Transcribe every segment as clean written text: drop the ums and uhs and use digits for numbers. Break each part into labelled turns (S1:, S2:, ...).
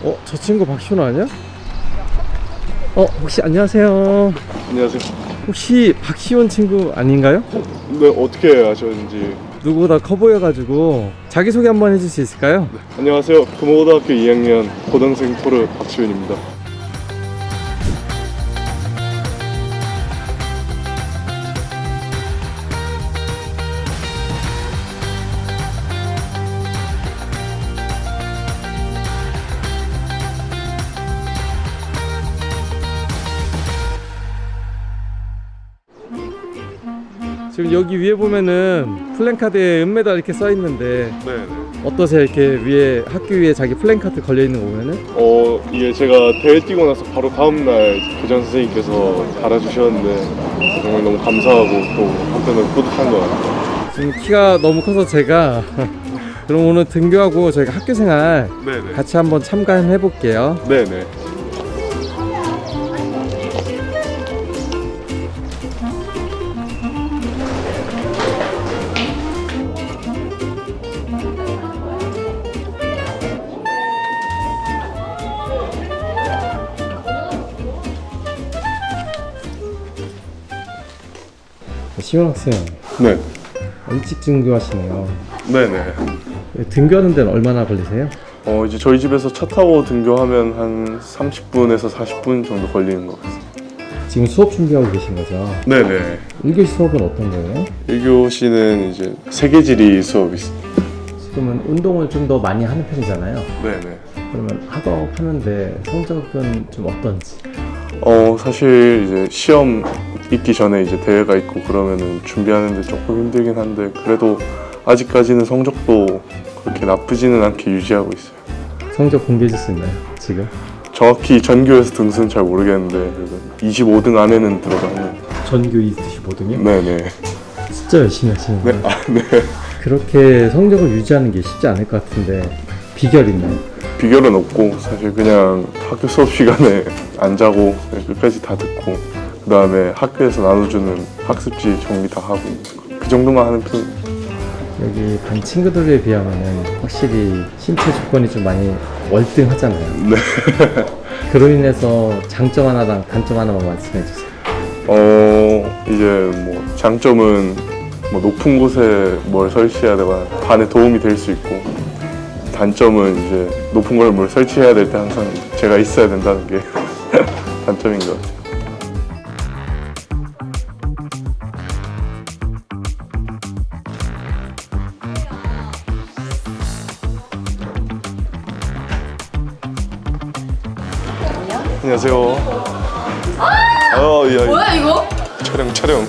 S1: 저 친구 박시훈 아니야? 혹시 안녕하세요.
S2: 안녕하세요.
S1: 혹시 박시훈 친구 아닌가요?
S2: 네, 어떻게 아셨는지.
S1: 누구보다 커 보여가지고 자기소개 한번 해줄 수 있을까요?
S2: 네. 안녕하세요. 금호고등학교 2학년 고등생 토르 박시훈입니다.
S1: 지금 여기 위에 보면은 플랜카드에 은메달 이렇게 써 있는데
S2: 네네.
S1: 어떠세요? 이렇게 위에 학교 위에 자기 플랜카드 걸려 있는 거 보면은?
S2: 이게 제가 대회 뛰고 나서 바로 다음날 교장 선생님께서 달아주셨는데 정말 너무 감사하고 또 한편으로 뿌듯한 것 같아요.
S1: 지금 키가 너무 커서 제가 그럼 오늘 등교하고 저희가 학교생활
S2: 네네.
S1: 같이 한번 참가해 볼게요.
S2: 네네.
S1: 시원 학생
S2: 네.
S1: 일찍 등교하시네요.
S2: 네네.
S1: 등교하는 데는 얼마나 걸리세요?
S2: 이제 저희 집에서 차 타고 등교하면 한 30분에서 40분 정도 걸리는 것 같습니다.
S1: 지금 수업 준비하고 계신 거죠?
S2: 네네.
S1: 1교시 수업은 어떤 거예요?
S2: 1교시는 이제 세계지리 수업이 있습니다.
S1: 지금은 운동을 좀 더 많이 하는 편이잖아요.
S2: 네네.
S1: 그러면 학업 하는데 성적은 좀 어떤지?
S2: 사실 이제 시험 있기 전에 이제 대회가 있고 그러면은 준비하는데 조금 힘들긴 한데 그래도 아직까지는 성적도 그렇게 나쁘지는 않게 유지하고 있어요.
S1: 성적 공개해 줄 수 있나요? 지금?
S2: 정확히 전교에서 등수는 잘 모르겠는데 그래도 25등 안에는 들어가는.
S1: 전교 25등이요?
S2: 네네.
S1: 진짜 열심히 하시는
S2: 네.
S1: 거예요?
S2: 네.
S1: 그렇게 성적을 유지하는 게 쉽지 않을 것 같은데 비결 있나요?
S2: 비결은 없고 사실 그냥 학교 수업 시간에 안 자고 그냥 끝까지 다 듣고 그 다음에 학교에서 나눠주는 학습지 정리 다 하고 그 정도만 하는 편입니다.
S1: 여기 반 친구들에 비하면 확실히 신체 조건이 좀 많이 월등하잖아요.
S2: 네.
S1: 그로 인해서 장점 하나랑 단점 하나만 말씀해 주세요.
S2: 이제 뭐 장점은 뭐 높은 곳에 뭘 설치해야 되거나 반에 도움이 될 수 있고 단점은 이제 높은 걸 뭘 설치해야 될 때 항상 제가 있어야 된다는 게 단점인 것 같아요. 안녕하세요. 야,
S3: 뭐야 이거?
S2: 촬영.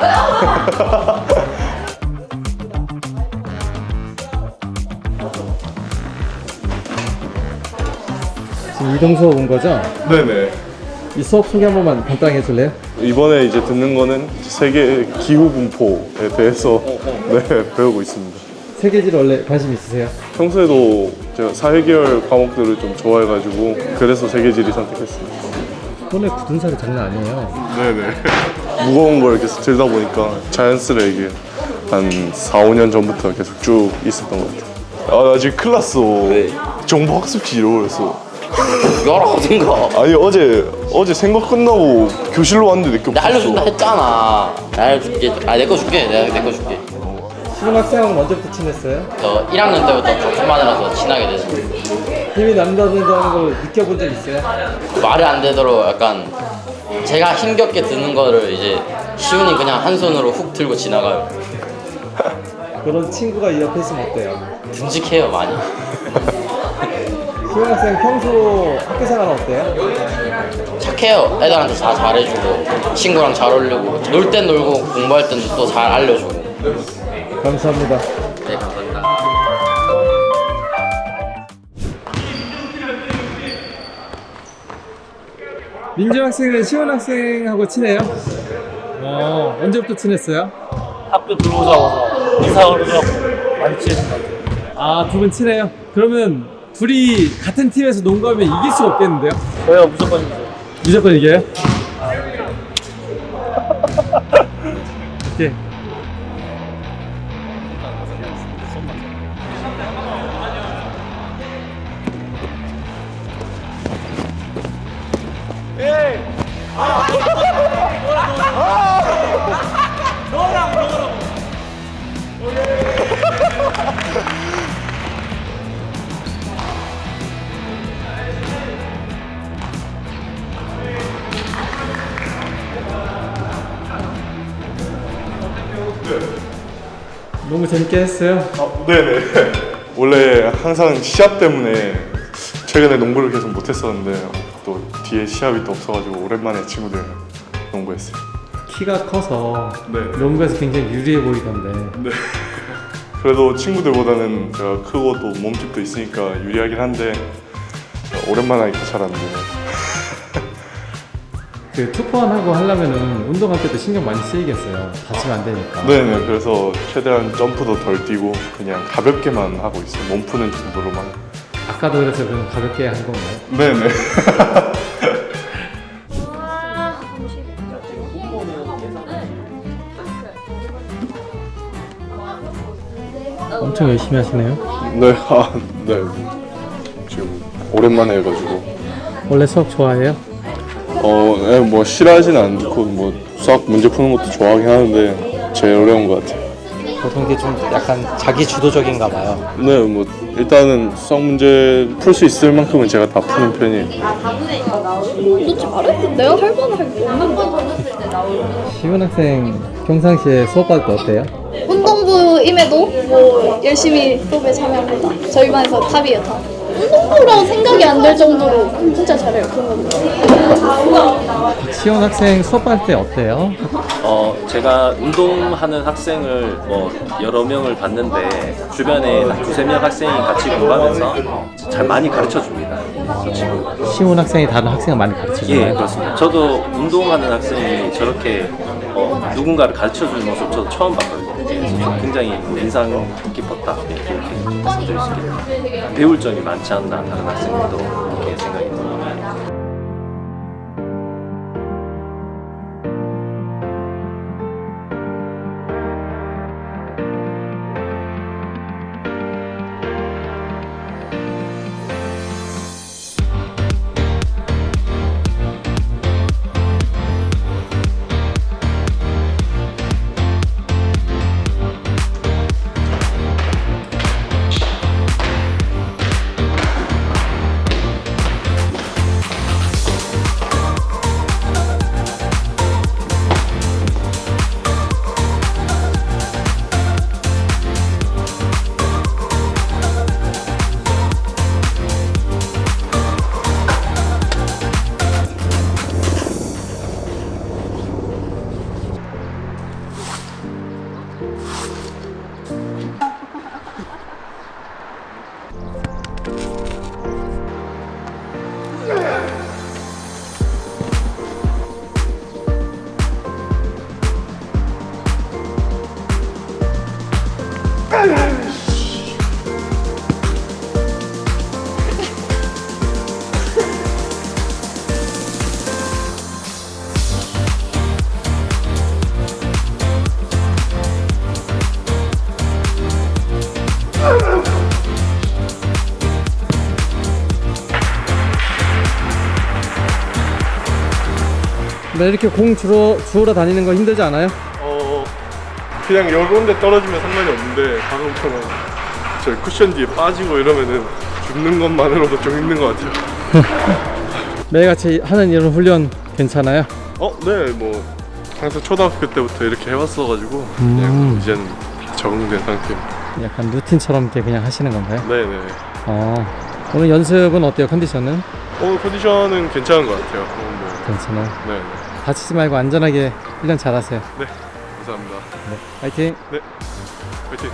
S1: 지금 이동 수업 온 거죠?
S2: 네네.
S1: 이 수업 소개 한 번만 간단히 해줄래요?
S2: 이번에 이제 듣는 거는 세계 기후 분포에 대해서 네, 배우고 있습니다.
S1: 세계지를 원래 관심 있으세요?
S2: 평소에도 제가 사회계열 과목들을 좀 좋아해가지고 그래서 세계지리 선택했습니다.
S1: 손에 굳은 살이 장난 아니에요.
S2: 네네. 무거운 걸 계속 들다 보니까 자연스레 이게 한 4, 5년 전부터 계속 쭉 있었던 것 같아요. 나 지금 큰일 났어.
S4: 왜?
S2: 정보학습지 잃어버렸어.
S4: 이거랑 어딘가.
S2: 아니 어제 생각 끝나고 교실로 왔는데 내게
S4: 내가 알려준다 했잖아. 내가 알려줄게. 내 거 줄게. 내가 내 거 줄게.
S1: 시훈 학생하고 언제부터 친했어요?
S4: 저 1학년 때부터 같은 반이라서 친하게 됐어.
S1: 힘이 남다른다는 걸 느껴본 적 있어요?
S4: 말이 안 되도록 약간 제가 힘겹게 드는 거를 이제 시훈이 그냥 한 손으로 훅 들고 지나가요.
S1: 그런 친구가 이 옆에 있으면 어때요?
S4: 듬직해요 많이.
S1: 시훈 학생 평소 학교 생활은 어때요?
S4: 착해요. 애들한테 다 잘해주고 친구랑 잘 어울리고 놀 땐 놀고 공부할 땐 또 잘 알려주고.
S1: 감사합니다.
S4: 네 감사합니다.
S1: 민주 학생은 시훈 학생하고 친해요? 언제부터 친했어요?
S5: 학교 들어오자마자 인사하려고 많이 친해진 것 같아요.
S1: 아, 두 분 친해요? 그러면 둘이 같은 팀에서 농구하면 이길 수가 없겠는데요?
S5: 저희가 무조건 이겨요.
S1: 무조건 이겨요? 오케이. 너무 재밌게 했어요.
S2: 네네. 원래 항상 시합 때문에 최근에 농구를 계속 못했었는데 또 뒤에 시합이 또 없어가지고 오랜만에 친구들 농구했어요.
S1: 키가 커서
S2: 네.
S1: 농구에서 굉장히 유리해 보이던데.
S2: 네. 그래도 친구들보다는 제가 크고 또 몸집도 있으니까 유리하긴 한데 오랜만에 하니까 잘 안 되네요.
S1: 그 투포환하고 하려면은 운동할 때도 신경 많이 쓰이겠어요. 다치면 안 되니까.
S2: 네네. 그래서 최대한 점프도 덜 뛰고 그냥 가볍게만 하고 있어요. 몸 푸는 정도로만.
S1: 아까도 그래서 그럼 가볍게 한 건가요?
S2: 네네.
S1: 엄청 열심히 하시네요.
S2: 네. 네. 지금 오랜만에 해가지고.
S1: 원래 수학 좋아해요?
S2: 네, 뭐 싫어하진 않고 뭐 수학 문제 푸는 것도 좋아하긴 하는데 제일 어려운 것 같아요.
S3: 보통 이게 좀 약간 자기 주도적인가 봐요.
S2: 네, 뭐 일단은 수학 문제 풀 수 있을 만큼은 제가 다 푸는 편이에요.
S6: 도대체 말했어? 내가 할 만한 할게 없는데.
S1: 시훈 학생 평상시에 수업 받을 때 어때요?
S6: 운동부임에도 뭐 열심히 수업에 참여합니다. 저희 반에서 탑이에요, 탑. 운동부라고 생각이 안 들 정도로 진짜 잘해요, 그런 거.
S1: 시훈 학생 수업 받을 때 어때요?
S7: 제가 운동하는 학생을 뭐 여러 명을 봤는데 주변에 한 두세 명 학생이 같이 공부하면서 잘 많이 가르쳐 줍니다. 저 친구.
S1: 시훈 학생이 다른 학생을 많이 가르쳐주나요?
S7: 예, 그렇습니다. 저도 운동하는 학생이 저렇게 누군가를 가르쳐 주는 모습 저도 처음 봤거든요. 그래서 굉장히 인상 깊었다. 이렇게 말씀드릴 수 있겠네요. 배울 점이 많지 않나 다른 학생들도 이렇게 생각이 듭니다.
S1: 네, 이렇게 공 주우러 다니는 거 힘들지 않아요?
S2: 그냥 여러 군데 떨어지면 상관이 없는데 가끔처럼 저 쿠션 뒤에 빠지고 이러면은 죽는 것만으로도 좀 힘든 것 같아요.
S1: 매일같이 하는 이런 훈련 괜찮아요?
S2: 네, 뭐 항상 초등학교 때부터 이렇게 해왔어가지고 그냥 이제는 적응된 상태입니다.
S1: 약간 루틴처럼 이렇게 그냥 하시는 건가요?
S2: 네네.
S1: 오늘 연습은 어때요? 컨디션은?
S2: 컨디션은 괜찮은 것 같아요. 뭐,
S1: 괜찮아요.
S2: 네,
S1: 다치지 말고 안전하게 훈련 잘하세요.
S2: 네, 감사합니다.
S1: 네, 화이팅!
S2: 네, 화이팅.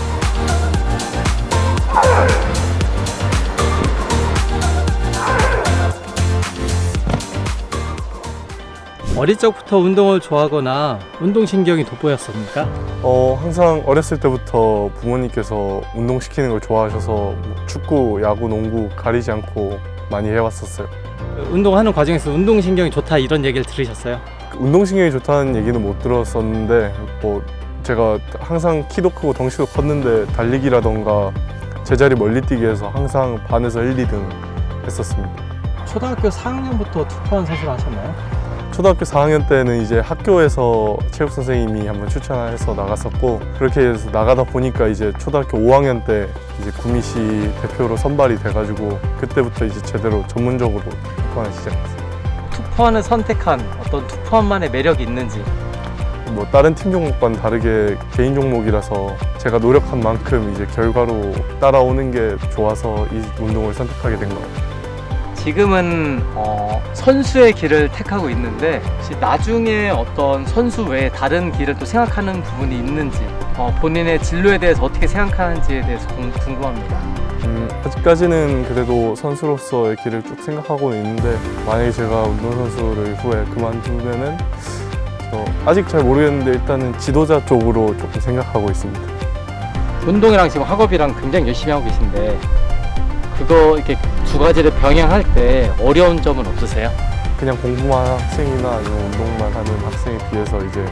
S1: 어릴 적부터 운동을 좋아하거나 운동신경이 돋보였습니까?
S2: 항상 어렸을 때부터 부모님께서 운동시키는 걸 좋아하셔서 뭐 축구, 야구, 농구 가리지 않고 많이 해왔었어요.
S1: 운동하는 과정에서 운동신경이 좋다 이런 얘기를 들으셨어요?
S2: 운동신경이 좋다는 얘기는 못 들었었는데 뭐 제가 항상 키도 크고 덩치도 컸는데 달리기라던가 제자리 멀리 뛰기에서 항상 반에서 1, 2등 했었습니다.
S1: 초등학교 4학년부터 투포환 선수를 하셨나요?
S2: 초등학교 4학년 때는 이제 학교에서 체육 선생님이 한번 추천해서 나갔었고, 그렇게 해서 나가다 보니까 이제 초등학교 5학년 때 이제 구미시 대표로 선발이 돼가지고 그때부터 이제 제대로 전문적으로 투포하기 시작했어요.
S3: 투포환을 선택한 어떤 투포환만의 매력이 있는지.
S2: 뭐 다른 팀 종목과는 다르게 개인 종목이라서 제가 노력한 만큼 이제 결과로 따라오는 게 좋아서 이 운동을 선택하게 된 것 같아요.
S3: 지금은 선수의 길을 택하고 있는데 혹시 나중에 어떤 선수 외에 다른 길을 또 생각하는 부분이 있는지, 본인의 진로에 대해서 어떻게 생각하는지에 대해서 궁금합니다.
S2: 아직까지는 그래도 선수로서의 길을 쭉 생각하고 있는데, 만약에 제가 운동선수를 후에 그만두면은 아직 잘 모르겠는데 일단은 지도자 쪽으로 조금 생각하고 있습니다.
S3: 운동이랑 지금 학업이랑 굉장히 열심히 하고 계신데 그거 이렇게 두 가지를 병행할 때 어려운 점은 없으세요?
S2: 그냥 공부만 하는 학생이나 아니면 운동만 하는 학생에 비해서 이제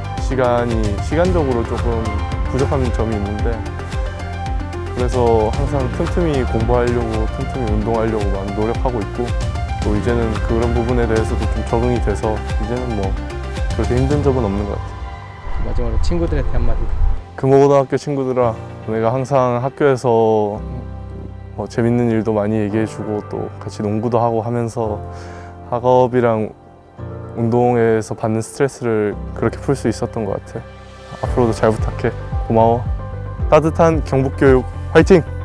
S2: 시간적으로 조금 부족한 점이 있는데, 그래서 항상 틈틈이 공부하려고 틈틈이 운동하려고 많이 노력하고 있고, 또 이제는 그런 부분에 대해서도 좀 적응이 돼서 이제는 뭐 그렇게 힘든 점은 없는 것 같아요.
S3: 마지막으로 친구들한테 한마디.
S2: 금호고등학교 친구들아, 내가 항상 학교에서 재밌는 일도 많이 얘기해주고 또 같이 농구도 하고 하면서 학업이랑 운동에서 받는 스트레스를 그렇게 풀 수 있었던 것 같아. 앞으로도 잘 부탁해. 고마워. 따뜻한 경북교육 화이팅!